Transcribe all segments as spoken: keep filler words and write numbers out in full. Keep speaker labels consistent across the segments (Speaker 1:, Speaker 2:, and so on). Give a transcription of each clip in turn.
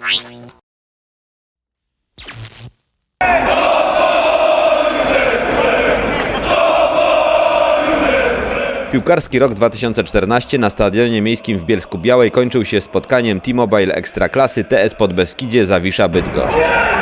Speaker 1: Piłkarski rok dwa tysiące czternasty na Stadionie Miejskim w Bielsku-Białej kończył się spotkaniem T-Mobile Ekstraklasy T S Podbeskidzie Zawisza Bydgoszcz.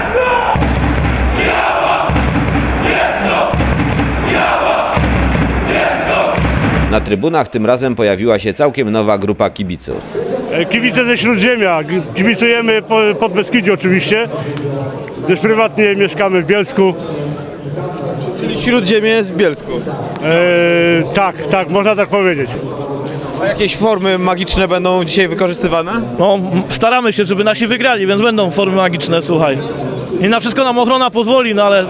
Speaker 1: Na trybunach tym razem pojawiła się całkiem nowa grupa kibiców.
Speaker 2: Kibice ze Śródziemia, kibicujemy pod Beskidzie oczywiście, gdyż prywatnie mieszkamy w Bielsku.
Speaker 3: Czyli Śródziemie jest w Bielsku.
Speaker 2: E, tak, tak, można tak powiedzieć.
Speaker 3: A jakieś formy magiczne będą dzisiaj wykorzystywane?
Speaker 4: No, staramy się, żeby nasi wygrali, więc będą formy magiczne, słuchaj. I na wszystko nam ochrona pozwoli, no ale...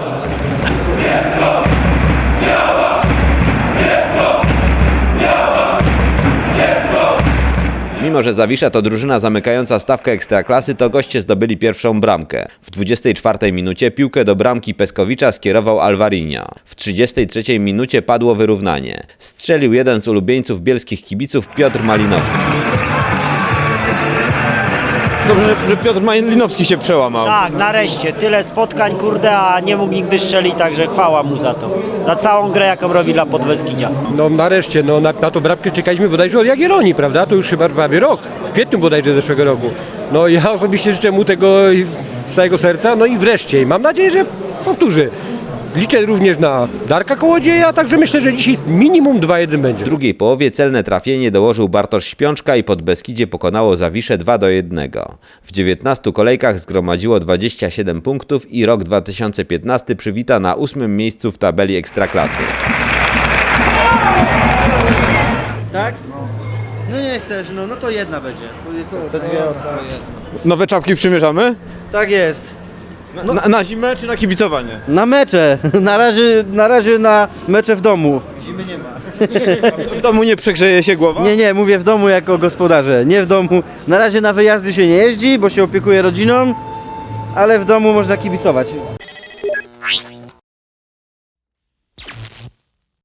Speaker 1: Mimo że Zawisza to drużyna zamykająca stawkę Ekstraklasy, to goście zdobyli pierwszą bramkę. W dwudziestej czwartej minucie piłkę do bramki Peskowicza skierował Alvarinho. W trzydziestej trzeciej minucie padło wyrównanie. Strzelił jeden z ulubieńców bielskich kibiców, Piotr Malinowski.
Speaker 3: Dobrze, że, że Piotr Malinowski się przełamał.
Speaker 5: Tak, nareszcie. Tyle spotkań, kurde, a nie mógł nigdy strzelić, także chwała mu za to. Za całą grę, jaką robi dla Podbeskidzia.
Speaker 6: No nareszcie, no na, na tą bramkę czekaliśmy bodajże od Jagiellonii, prawda? To już chyba prawie rok, w kwietniu bodajże zeszłego roku. No ja osobiście życzę mu tego z całego serca, no i wreszcie. I mam nadzieję, że powtórzy. Liczę również na Darka Kołodzieja, także myślę, że dzisiaj minimum dwa jeden będzie.
Speaker 1: W drugiej połowie celne trafienie dołożył Bartosz Śpiączka i Podbeskidzie pokonało Zawiszę dwa do jednego. W dziewiętnastu kolejkach zgromadziło dwadzieścia siedem punktów i rok dwa tysiące piętnasty przywita na ósmym miejscu w tabeli Ekstraklasy.
Speaker 7: Tak? No nie chcesz, no, no to jedna będzie. To dwie.
Speaker 3: Nowe czapki przymierzamy?
Speaker 7: Tak jest.
Speaker 3: Na, na, na zimę czy na kibicowanie?
Speaker 7: Na mecze. Na razie, na razie na mecze w domu. Zimy nie ma.
Speaker 3: W domu nie przegrzeje się głowa?
Speaker 7: Nie, nie, mówię w domu jako gospodarze. Nie w domu. Na razie na wyjazdy się nie jeździ, bo się opiekuje rodziną, ale w domu można kibicować.